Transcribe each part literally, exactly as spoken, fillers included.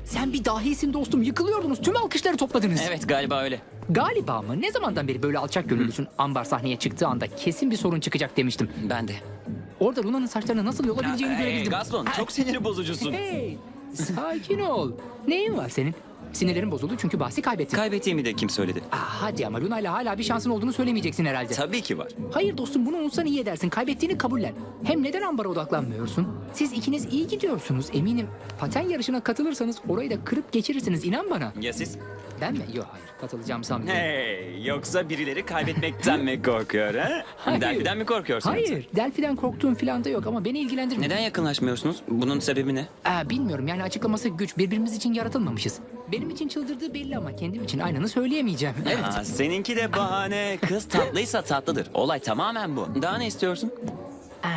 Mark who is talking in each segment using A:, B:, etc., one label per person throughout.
A: Sen bir dahisin dostum. Yıkılıyordunuz. Tüm alkışları topladınız.
B: Evet, galiba öyle.
A: Galiba mı? Ne zamandan beri böyle alçak gönüllüsün? Ambar sahneye çıktığı anda kesin bir sorun çıkacak demiştim.
B: Ben de.
A: Orada Luna'nın saçlarını nasıl yolabileceğini
B: Hey,
A: görebildim.
B: Gaston, çok sinir bozucusun.
A: Hey, sakin ol. Neyin var senin? Sinirlerin bozuldu çünkü bahsi kaybettin.
B: Kaybettiğimi de kim söyledi?
A: Aa, hadi ama Luna'yla hala bir şansın olduğunu söylemeyeceksin herhalde.
B: Tabii ki var.
A: Hayır dostum, bunu unutsan iyi edersin. Kaybettiğini kabullen. Hem neden Ambar'a odaklanmıyorsun? Siz ikiniz iyi gidiyorsunuz eminim. Paten yarışına katılırsanız orayı da kırıp geçirirsiniz, inan bana.
B: Ya siz?
A: Ben mi? Yok, hayır, katılacağım sanmıyorum.
B: Hey, yoksa birileri kaybetmekten mi korkuyor ha?
A: Hayır.
B: Delphi'den mi korkuyorsun?
A: Hayır, Delphi'den korktuğum falan da yok ama beni ilgilendirmiyor.
B: Neden yakınlaşmıyorsunuz? Bunun sebebi ne?
A: Aa, bilmiyorum, yani açıklaması güç. Birbirimiz için yaratılmamışız. Benim için çıldırdığı belli ama kendim için aynını söyleyemeyeceğim. Evet.
B: Aa, seninki de bahane. Kız tatlıysa tatlıdır. Olay tamamen bu. Daha ne istiyorsun?
A: Aa,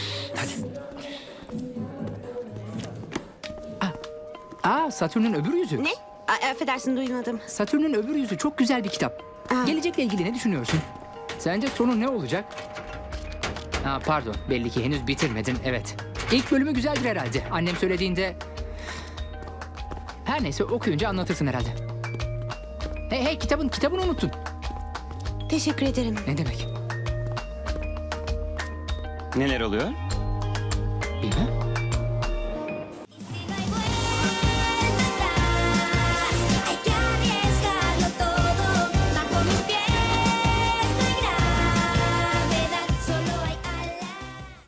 A: Aa, Satürn'ün öbür yüzü.
C: Ne? A- affedersin, duymadım.
A: Satürn'ün öbür yüzü çok güzel bir kitap.
C: Aa.
A: Gelecekle ilgili ne düşünüyorsun? Sence sonu ne olacak? Ha, pardon, belli ki henüz bitirmedin, evet. İlk bölümü güzeldir herhalde. Annem söylediğinde... Her neyse, okuyunca anlatırsın herhalde. Hey hey, kitabın, kitabını unuttun.
C: Teşekkür ederim.
A: Ne demek?
B: Neler oluyor?
A: Bilmem.